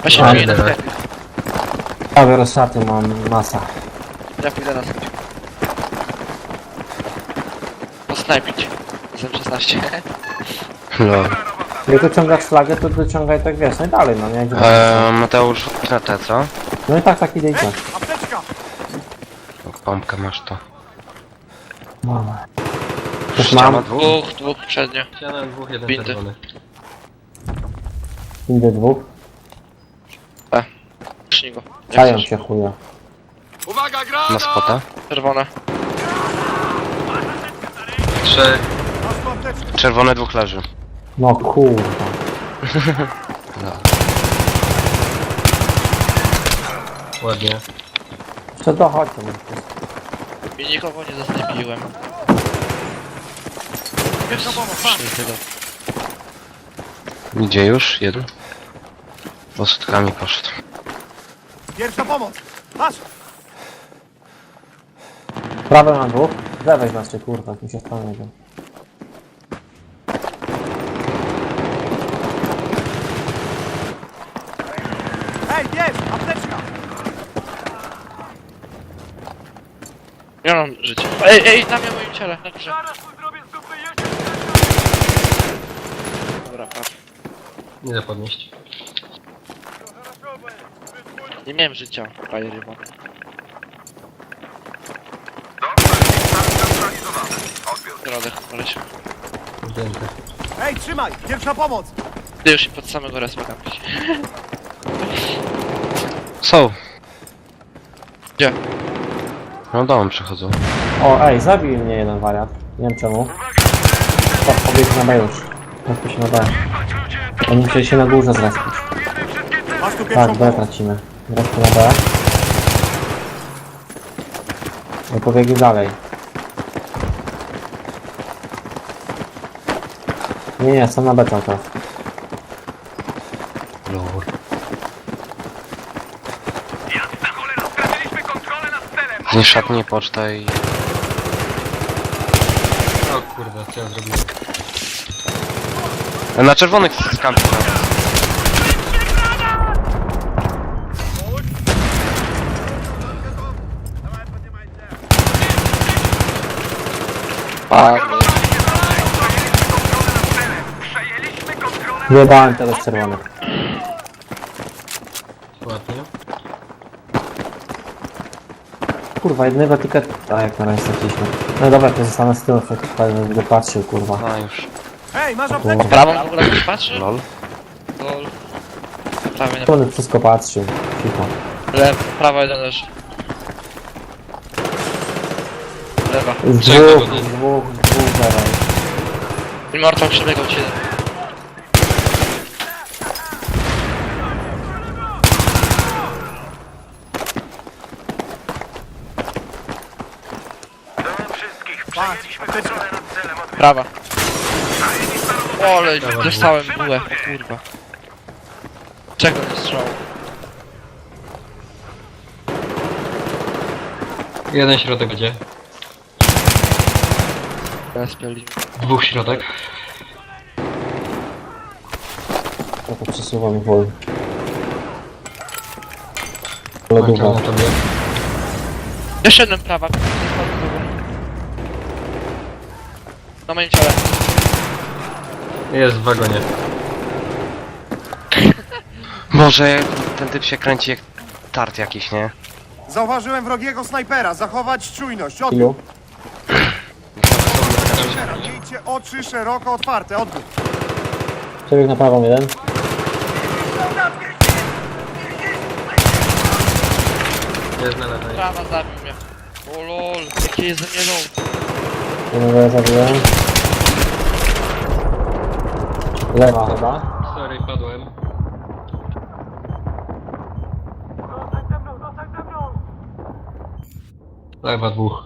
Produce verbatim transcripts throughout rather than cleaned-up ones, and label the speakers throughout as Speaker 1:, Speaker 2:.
Speaker 1: Ja się
Speaker 2: A,
Speaker 1: boję na
Speaker 2: dobra.
Speaker 1: sklepie.
Speaker 2: Prawie rozszaty mam masa.
Speaker 1: Ja pójdę na sklep. Posnajpić. Z M szesnaście.
Speaker 3: No.
Speaker 2: Jak dociągasz flagę, to dociągaj tak wiesz, no i dalej, no nie?
Speaker 3: Eee, Mateusz, na te co?
Speaker 2: No i tak, tak idzie i tak.
Speaker 3: Pompkę masz to.
Speaker 2: Mamy. Też
Speaker 3: Ściana
Speaker 2: mam,
Speaker 3: dwóch?
Speaker 1: Dwóch, dwóch przednio.
Speaker 4: Ściana dwóch, jeden
Speaker 1: Bindy.
Speaker 4: czerwony.
Speaker 2: idę dwóch.
Speaker 1: Przy go. Jak
Speaker 2: Czają
Speaker 1: chcesz.
Speaker 2: cię chuja.
Speaker 3: Na spota?
Speaker 1: Czerwone.
Speaker 4: Trzy.
Speaker 3: Czerwone dwóch leży.
Speaker 2: No kurwa.
Speaker 3: No.
Speaker 4: Ładnie.
Speaker 2: Co dochodzi?
Speaker 1: I nikogo nie zasnajpiłem. Jest przy tego.
Speaker 3: Idzie już? Jeden? Bo sutkami poszedł.
Speaker 5: Pierwsza pomoc! Masz!
Speaker 2: Prawe mam dwóch. Lewej znaczy kurwa, mi się stanie.
Speaker 5: Hej, jest! Apteczka!
Speaker 1: Ja mam życie. Ej, ej, na mnie moim ciele, na górze. Dobra, patrz.
Speaker 4: Nie da podnieść.
Speaker 1: Nie miałem życia, frajery mam. Środek, koleś.
Speaker 4: Zdjęty.
Speaker 5: Hej, trzymaj! Pierwsza pomoc!
Speaker 1: Ty już i pod samego respa kampić.
Speaker 3: Są.
Speaker 1: Gdzie?
Speaker 3: No dołem przechodzą.
Speaker 2: O, ej, zabił mnie jeden wariat. Nie wiem czemu. O, pobiegł na B już. Zrespił się na B. Oni musieli się na górze zrespić.
Speaker 5: Masz tu pierwszą
Speaker 2: Tak, B
Speaker 5: pomoc!
Speaker 2: tracimy. Zrespił na B. I pobiegli dalej. Nie, nie, są na B cały czas.
Speaker 3: Lur. Zniszcz szatnię, pocztę i...
Speaker 4: O kurde, co ja zrobiłem?
Speaker 3: Na czerwonych skampi.
Speaker 1: Padły.
Speaker 2: Wyjebałem teraz czerwonych.
Speaker 4: Ładnie.
Speaker 2: Kurwa, jednego ticket... A jak na razie straciliśmy. No dobra, to zostanę z tyłu, tak będę patrzył, kurwa.
Speaker 3: No już.
Speaker 5: Hej, masz
Speaker 2: O
Speaker 5: apteczkę!
Speaker 2: kurwa.
Speaker 1: Prawą w ogóle ktoś patrzy?
Speaker 3: Lol.
Speaker 1: Lol. Prawie nie.
Speaker 2: Czerwony wszystko patrzył. Cicho.
Speaker 1: Lew, prawa jeden leży. Lewa.
Speaker 2: Z
Speaker 4: Czego
Speaker 2: dwóch,
Speaker 4: to
Speaker 2: z dwóch, z dwóch, zero.
Speaker 1: Immortal przebiegał ci jeden.
Speaker 5: Patrz, apteczka!
Speaker 1: Prawa. O, ale dostałem bułę, o kurwa. Czego nie strzał?
Speaker 4: Jeden środek będzie.
Speaker 1: Teraz pieli.
Speaker 4: Dwóch środek.
Speaker 2: Ja to przesuwam wol.
Speaker 4: Kończę
Speaker 2: Lodowa.
Speaker 4: na tobie.
Speaker 1: Jeszcze jeden prawa. Na moim ciele.
Speaker 4: Jest w wagonie.
Speaker 3: Boże, ten typ się kręci jak tart jakiś, nie?
Speaker 5: Zauważyłem wrogiego snajpera! Zachować czujność! Odbiór!
Speaker 2: Ilu?
Speaker 5: Miejcie oczy szeroko otwarte! Odbiór!
Speaker 2: Przebieg na prawą jeden.
Speaker 4: Jest na lewej.
Speaker 1: Prawa zabił mnie. O lol, jakie jest ze mnie low.
Speaker 2: Jednego ja zabiłem. Lewa chyba.
Speaker 4: Sorry, padłem. Lewa dwóch.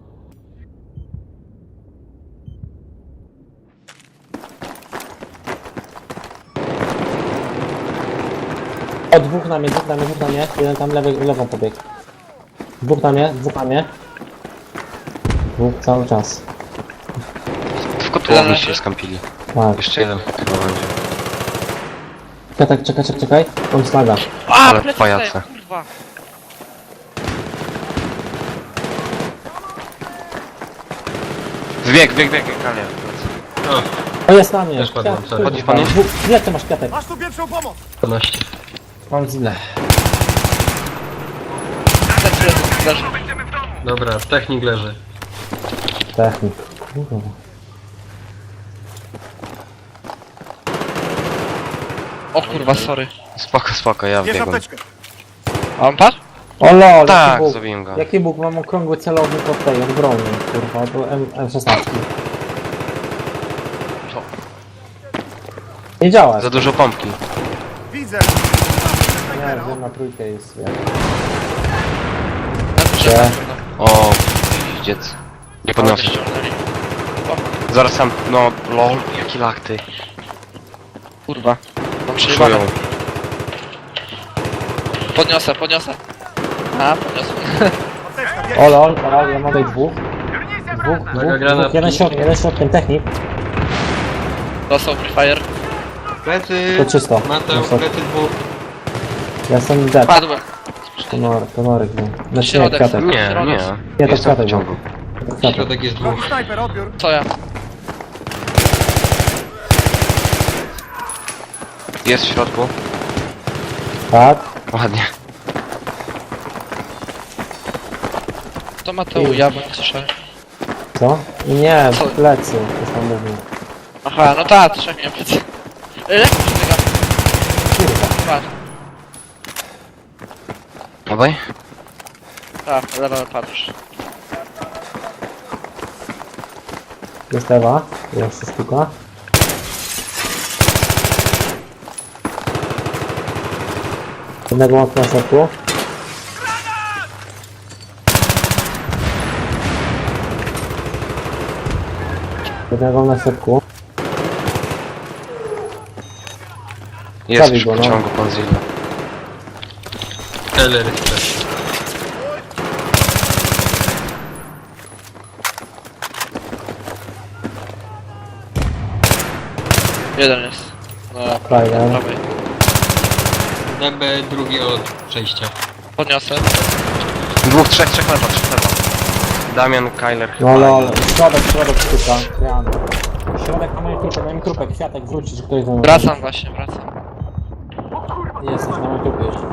Speaker 2: O, dwóch na mnie, dwóch na mnie, dwóch na mnie. Jeden tam lewy, lewą pobiegł. Dwóch na mnie, dwóch na mnie. Dwóch cały czas.
Speaker 3: W kotłowni się skampili.
Speaker 2: Tak.
Speaker 3: Jeszcze jeden chyba będzie.
Speaker 2: Czekaj, czekaj, czekaj, czekaj. Mam slaga.
Speaker 1: A,
Speaker 3: Ale
Speaker 1: plecy
Speaker 3: pajace.
Speaker 1: daję, kurwa.
Speaker 3: Wbieg, bieg, bieg, Kalian.
Speaker 4: O,
Speaker 2: O, jest na mnie.
Speaker 4: Też padłem,
Speaker 2: Kwiat-
Speaker 4: sorry.
Speaker 3: Chodzi pan, nie?
Speaker 2: Dwóch- Jak ty masz kwiatek?
Speaker 5: Masz tu pierwszą pomoc!
Speaker 4: dwanaście.
Speaker 2: Mam źle.
Speaker 1: Plecy leży, leży.
Speaker 4: Dobra, technik leży.
Speaker 2: Technik. Kurwa.
Speaker 1: O kurwa, sorry.
Speaker 3: Spoko, spoko, ja
Speaker 5: Bierz
Speaker 3: wbiegłem.
Speaker 5: apteczkę.
Speaker 1: A on padł?
Speaker 2: O lol,
Speaker 3: Tak,
Speaker 2: jaki Bóg.
Speaker 3: zabiłem go.
Speaker 2: Jaki Bóg, mam okrągły celownik od tej, od broni, kurwa, do M M16.
Speaker 3: Co?
Speaker 2: Nie działa.
Speaker 3: Za dużo pompki.
Speaker 5: Widzę!
Speaker 2: Nie, wiem, na trójkę jest, wiem.
Speaker 1: Na to, że
Speaker 2: Gdzie?
Speaker 1: tak, no.
Speaker 3: O, dziec. Nie podniosę.
Speaker 1: Ściągnęli.
Speaker 3: Zaraz sam, no, lol, jaki lak ty.
Speaker 1: Kurwa. Mam przejebane.
Speaker 3: Czują.
Speaker 1: Podniosę, podniosę. A, podniosę.
Speaker 5: Apteczka, bierz!
Speaker 2: O lol, o lol, ja mam tutaj dwóch. Dwóch, dwóch,
Speaker 4: Uwaga, granat.
Speaker 2: dwóch, jeden środkiem, jeden środkiem, technik.
Speaker 1: Dostał Free Fire.
Speaker 4: Plecy!
Speaker 2: To czysto.
Speaker 4: Mateusz,
Speaker 2: To-
Speaker 4: plecy dwóch.
Speaker 2: Ja jestem dead.
Speaker 1: Padłem.
Speaker 2: Konor, konorek, no. Znaczy nie,
Speaker 1: Środek.
Speaker 2: kwiatek.
Speaker 3: Nie, nie.
Speaker 2: Nie, to
Speaker 3: Jestem w
Speaker 2: kwiatek był.
Speaker 3: ciągu.
Speaker 2: To kwiatek.
Speaker 4: Środek jest
Speaker 5: Wrogi
Speaker 4: dwóch.
Speaker 5: snajper, odbiór!
Speaker 1: Co ja?
Speaker 3: Jest w środku.
Speaker 2: Tak.
Speaker 3: Ładnie.
Speaker 1: To Mateu, ja bym słyszałem.
Speaker 2: Co? Nie,
Speaker 1: Co?
Speaker 2: w plecy, coś tam mówił.
Speaker 1: Aha, no tak, trzech miałem plecy. Ile? Przebiegam.
Speaker 2: Kurwa.
Speaker 1: Padł.
Speaker 3: Obaj?
Speaker 1: Tak, lewa padł już.
Speaker 2: Jest Ewa, jeszcze sztuka. Jednego mam na środku. Jednego mam na środku.
Speaker 3: Jest
Speaker 2: Zabij
Speaker 3: w
Speaker 2: go, no.
Speaker 3: pociągu pan Zilla.
Speaker 4: Keller jest też.
Speaker 1: Jeden jest. No,
Speaker 2: Fajne.
Speaker 1: prawej.
Speaker 4: D B drugi od przejścia.
Speaker 1: Podniosę.
Speaker 3: Dwóch, trzech, trzech lewa, trzech lewa. Damian, Kyler chyba.
Speaker 2: No lol, środek, środek sztuka. Jan. Środek na moim trupie, na moim trupie. Kwiatek wrócić, ktoś do mnie.
Speaker 1: Wracam właśnie, wracam.
Speaker 2: Jesteś na moim trupie już.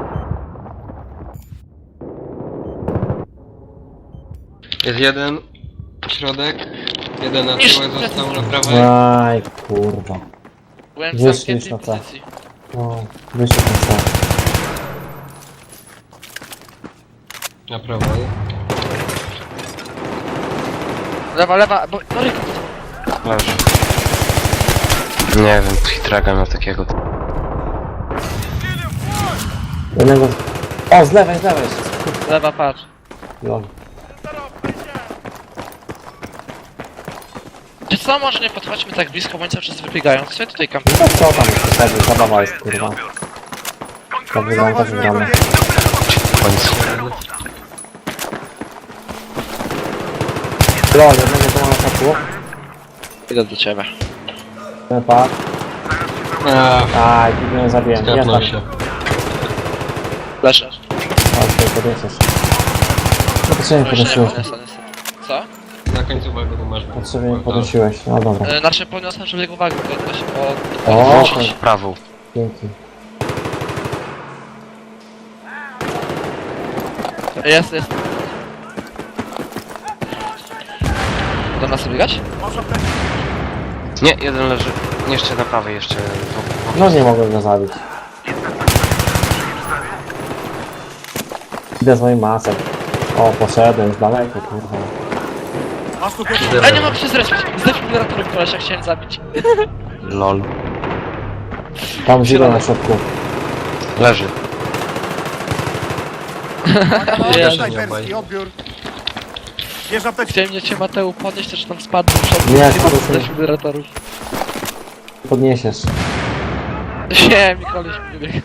Speaker 4: Jest jeden. Środek. Jeden na
Speaker 1: Niż-
Speaker 4: tyłek został na prawej.
Speaker 2: Aj, kurwa.
Speaker 1: Byłem w
Speaker 2: Wyszli
Speaker 1: zamkniętej
Speaker 2: już na C.
Speaker 1: pozycji.
Speaker 2: No, wyszedł na co.
Speaker 4: Na prawej.
Speaker 1: Lewa, lewa, bo... No ryku.
Speaker 3: Leży. Nie wiem, hitraga miał takiego.
Speaker 2: Jednego... O, z lewej, z lewej jest.
Speaker 1: Lewa, patrz.
Speaker 2: Lol.
Speaker 1: Czy co, może nie podchodźmy tak blisko, bo oni cały czas wybiegają. Co ja tutaj kampię?
Speaker 2: No co tam jest wtedy? Zabawa jest, kurwa. Tak wygląda, tak
Speaker 5: Zauważyłem
Speaker 2: wygląda.
Speaker 5: wrogiego...
Speaker 3: W końcu.
Speaker 2: Lol, jednego tu mam na środku.
Speaker 1: Idę do ciebie.
Speaker 2: Ten pad.
Speaker 4: A,
Speaker 2: Aj, tu mnie zabiłem. Ja
Speaker 4: skapnął
Speaker 2: tam.
Speaker 4: się.
Speaker 1: Leszę.
Speaker 2: O, tutaj podniesiesz. No potrzebnie
Speaker 1: No jeszcze nie
Speaker 2: podnosiłeś.
Speaker 1: podniosę, niestety. Co?
Speaker 4: Na końcu wagonu tu masz.
Speaker 2: Potrzebnie podnosiłeś. No dobra.
Speaker 1: E, Znaczy podniosłem, żeby jego wagę podnieść, bo...
Speaker 2: O,
Speaker 3: Dwóch, prawą.
Speaker 2: Dzięki.
Speaker 1: Jest, jest. Do nas biegać?
Speaker 5: Masz apteczkę.
Speaker 3: Nie, jeden leży. Jeszcze na prawej, jeszcze. w- w-
Speaker 2: No nie mogłem go zabić. Idę z moim masem. O, poszedłem z daleko, kurwa.
Speaker 5: Masz tu pierwszą...
Speaker 1: Ej, nie mam się zrespić. Z defibrylatorem kolesia chciałem zabić.
Speaker 3: Lol.
Speaker 2: Tam zero na środku.
Speaker 3: Leży.
Speaker 1: Jezu.
Speaker 5: Snajperski, odbiór! Bierz apteczkę!
Speaker 1: Chciałem mnie cię Mateu podnieść, też tam spadł w przód.
Speaker 2: Nie,
Speaker 1: Nie mam
Speaker 2: spadł.
Speaker 1: defibrylatorów.
Speaker 2: Podniesiesz.
Speaker 1: Nie, mi koleś nie biegł.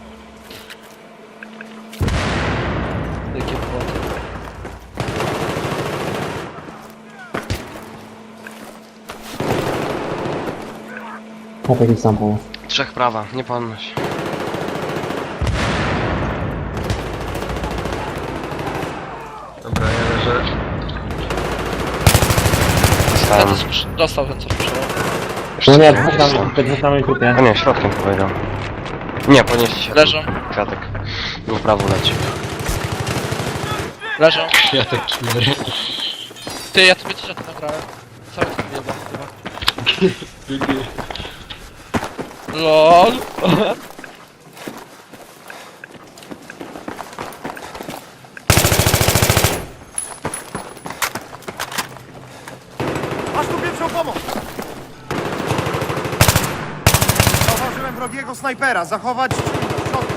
Speaker 1: Jakie błoto.
Speaker 2: Chłopak ich sam pomógł.
Speaker 3: Trzech prawa, nie podnoś.
Speaker 4: Dobra, ja leżę.
Speaker 1: Ja
Speaker 3: Dostałem.
Speaker 1: to sprz- dostał ten co sprzedał.
Speaker 2: No nie,
Speaker 3: Jeszcze
Speaker 2: dwóch na
Speaker 3: są.
Speaker 2: mnie trupie, dwóch na mnie trupie.
Speaker 3: A nie, środkiem powiedział. Nie, podnieśli się.
Speaker 1: Leżą.
Speaker 3: Kwiatek. Był w prawo leci.
Speaker 1: Leżą.
Speaker 4: Ja tak cztery.
Speaker 1: Ty, ja tobie też to nagrałem. Cały to wyjebał chyba. LOL.
Speaker 5: Masz tu pierwszą pomoc! Zauważyłem wrogiego snajpera. Zachować czujność. Odwrót.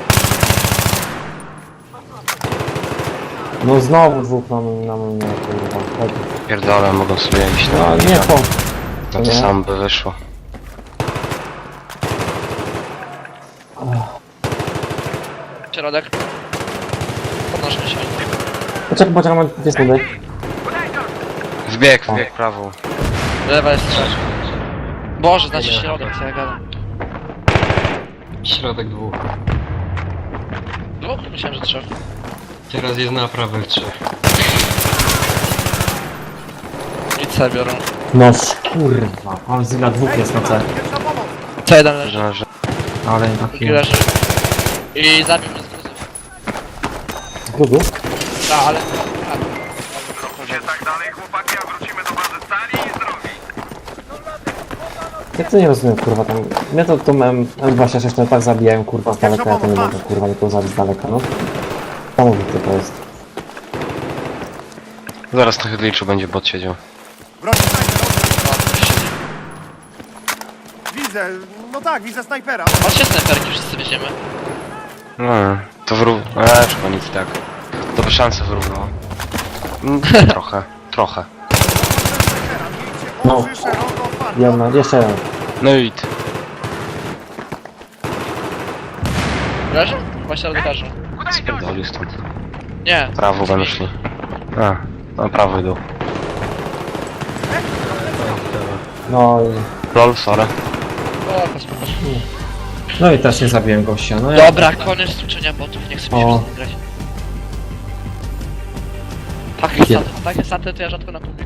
Speaker 2: No znowu dwóch na mnie, na mnie, kurwa. Chodź.
Speaker 3: Pierdolę, mogą sobie iść na
Speaker 2: No nie, po.
Speaker 3: No to
Speaker 2: nie.
Speaker 3: samo by wyszło.
Speaker 1: Środek. Podnoszę się.
Speaker 2: Poczekaj, poczekaj, mam dwie sekundy.
Speaker 3: Wbieg, wbieg prawą.
Speaker 1: Lewa jest trzecia. Boże, znaczy środek, co ja gadam.
Speaker 4: Środek dwóch.
Speaker 1: No, myślałem, że trzech.
Speaker 4: Teraz jest na prawych trzech.
Speaker 1: I C biorą.
Speaker 2: No kurwa, mam zyla dwóch jest na C.
Speaker 5: Pierwsza pomoc!
Speaker 1: C jeden leży,
Speaker 3: Że, że...
Speaker 2: Ale
Speaker 1: drugi
Speaker 2: taki...
Speaker 1: leży. I zabił mnie z gruzy.
Speaker 2: Z grudu?
Speaker 1: A, ale... A,
Speaker 5: Tak dalej, chłopaki, a wrócimy do bazy stali i zdrowi.
Speaker 2: Jak to nie rozumiem, kurwa, tam... Mnie to tą M dwadzieścia sześć to tak zabijają, kurwa, z daleka, ja to nie mogę, kurwa, nie to zabić z daleka, no. Niesamowite to jest.
Speaker 3: Zaraz na Hydliczu będzie bot siedział.
Speaker 5: Wrogi snajper, odwrót.
Speaker 1: no, siedzi.
Speaker 5: Widzę, no tak, widzę snajpera.
Speaker 1: Patrzcie snajperki, wszyscy weźmiemy.
Speaker 3: No, to wró... Eee, chyba nic tak. To by szanse wyrównało. Mm, trochę, trochę.
Speaker 5: Snajpera, miejcie
Speaker 2: No.
Speaker 5: oczy szeroko otwarte.
Speaker 2: Jedna, jeszcze jeden.
Speaker 3: No i t-
Speaker 1: Leży? Chyba środek leży.
Speaker 3: spierdolił stąd.
Speaker 1: Nie.
Speaker 3: Prawo będą szli. A, no prawo idą.
Speaker 2: No i...
Speaker 3: Lol, sorry.
Speaker 1: O, to spoko.
Speaker 2: No i też nie zabiłem gościa, no ja...
Speaker 1: Dobra, koniec tłuczenia botów, nie chcę mi się
Speaker 2: O.
Speaker 1: już grać. Takie staty, takie staty to ja rzadko na